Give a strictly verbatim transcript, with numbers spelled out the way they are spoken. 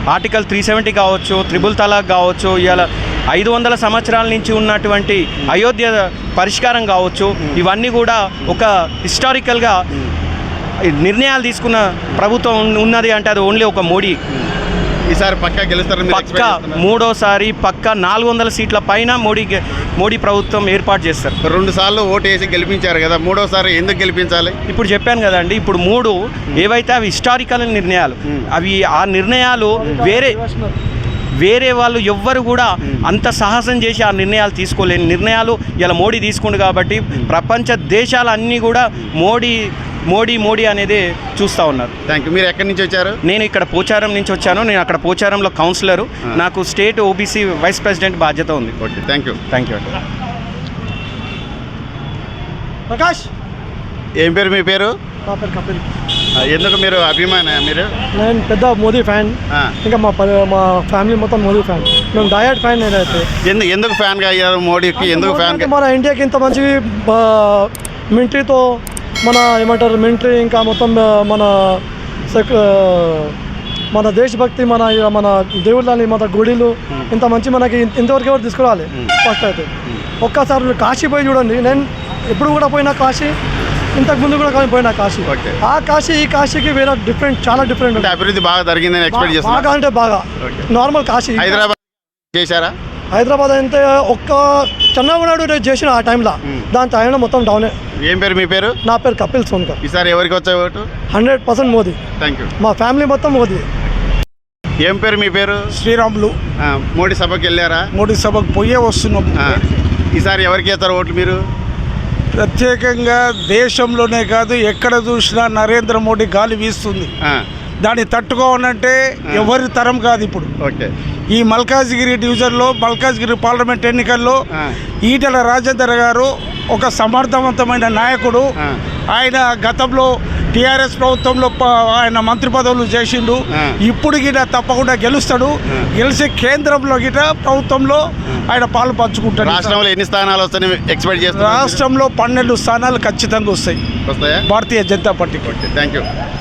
Article three seventy కావచ్చు, triple talaq కావచ్చు, ఇవాళ ఐదు వందల సంవత్సరాల నుంచి ఉన్నటువంటి అయోధ్య పరిష్కారం కావచ్చు, ఇవన్నీ కూడా ఒక హిస్టారికల్గా నిర్ణయాలు తీసుకున్న ప్రభుత్వం ఉన్నది అంటే అది ఓన్లీ ఒక మోడీ. ఈసారి పక్కా గెలుస్తారు, పక్క మూడోసారి పక్క నాలుగు వందల సీట్ల పైన మోడీ మోడీ ప్రభుత్వం ఏర్పాటు చేస్తారు. రెండు సార్లు ఓటు వేసి గెలిపించారు కదా, మూడోసారి ఎందుకు గెలిపించాలి? ఇప్పుడు చెప్పాను కదండి, ఇప్పుడు మూడు ఏవైతే అవి హిస్టారికల్ నిర్ణయాలు, అవి ఆ నిర్ణయాలు వేరే వేరే వాళ్ళు ఎవ్వరు కూడా అంత సాహసం చేసి ఆ నిర్ణయాలు తీసుకోలేని నిర్ణయాలు ఇలా మోడీ తీసుకుండు కాబట్టి ప్రపంచ దేశాలన్నీ కూడా మోడీ మోడీ మోడీ అనేది చూస్తూ ఉన్నారు. Thank you. మీరు ఎక్కడి నుంచి వచ్చారు? నేను ఇక్కడ పోచారం నుంచి వచ్చాను. నేను అక్కడ పోచారంలో కౌన్సిలరు, నాకు స్టేట్ ఓబీసీ వైస్ ప్రెసిడెంట్ బాధ్యత ఉంది. Okay, thank you. Thank you అండి. ప్రకాష్, ఏం పేరు మీ పేరు? నా పేరు కపిల్. ఎందుకు మీరు అభిమాన? మీరు? నేను పెద్ద మోదీ ఫ్యాన్, ఇంకా మా మా ఫ్యామిలీ మొత్తం మోదీ ఫ్యాన్. మేము డయట్ ఫ్యాన్. నేనైతే ఎందుకు ఎందుకు ఫ్యాన్గా అయ్యారు మోడీకి? ఎందుకు ఫ్యాన్? మన ఇండియాకి ఇంత మంచి మిలిటరీతో, మన ఏమంటారు మిలిటరీ, ఇంకా మొత్తం మన మన దేశభక్తి, మన మన దేవుళ్ళని, మన గుడిలు ఇంత మంచి మనకి ఇంతవరకు ఎవరు తీసుకురావాలి. ఫస్ట్ అయితే ఒక్కసారి కాశీ పోయి చూడండి. నేను ఎప్పుడు కూడా పోయినా కాశీ, ఇంతకు ముందు కూడా పోయినా కాశీ. ఆ కాశీ ఈ కాశీకి వేరే డిఫరెంట్, చాలా డిఫరెంట్. అభివృద్ధి బాగా జరిగిందని ఎక్స్పెక్ట్ చేస్తాను. బాగా అంటే బాగా నార్మల్ కాశీ. హైదరాబాద్ చేశారా? హైదరాబాద్ అయితే ఒక్క చంద్రబాబు చేసిన ఆ టైంలో, దాని టైంలో మొత్తం డౌనే. ఏం పేరు మీ పేరు? నా పేరు కపిల్ సోన్కర్. ఈసారి ఎవరికి వచ్చే ఓటు? Hundred percent Modi. Thank you. మా ఫ్యామిలీ మొత్తం మోదీ. ఏం పేరు మీ పేరు? శ్రీరాములు. మోడీ సభకి వెళ్ళారా? మోడీ సభకు పోయే వస్తున్నాం. ఈసారి ఎవరికి వేస్తారు ఓట్లు మీరు? ప్రత్యేకంగా దేశంలోనే కాదు, ఎక్కడ చూసినా నరేంద్ర మోడీ గాలి వీస్తుంది. దాన్ని తట్టుకోవాలంటే ఎవరి తరం కాదు ఇప్పుడు. ఓకే. ఈ మల్కాజ్గిరి డివిజన్లో, మల్కాజ్గిరి పార్లమెంట్ ఎన్నికల్లో ఈటెల రాజేందర్ గారు ఒక సమర్థవంతమైన నాయకుడు. ఆయన గతంలో టీఆర్ఎస్ ప్రభుత్వంలో ఆయన మంత్రి పదవులు చేసిండు. ఇప్పుడు గిట తప్పకుండా గెలుస్తాడు. గెలిచి కేంద్రంలో గిట ప్రభుత్వంలో ఆయన పాలు పంచుకుంటాడు. రాష్ట్రంలో ఎన్ని స్థానాలు వస్తాయని ఎక్స్పెక్ట్ చేస్తారు? రాష్ట్రంలో పన్నెండు స్థానాలు ఖచ్చితంగా వస్తాయి వస్తాయా? భారతీయ జనతా పార్టీకి. Okay, thank you.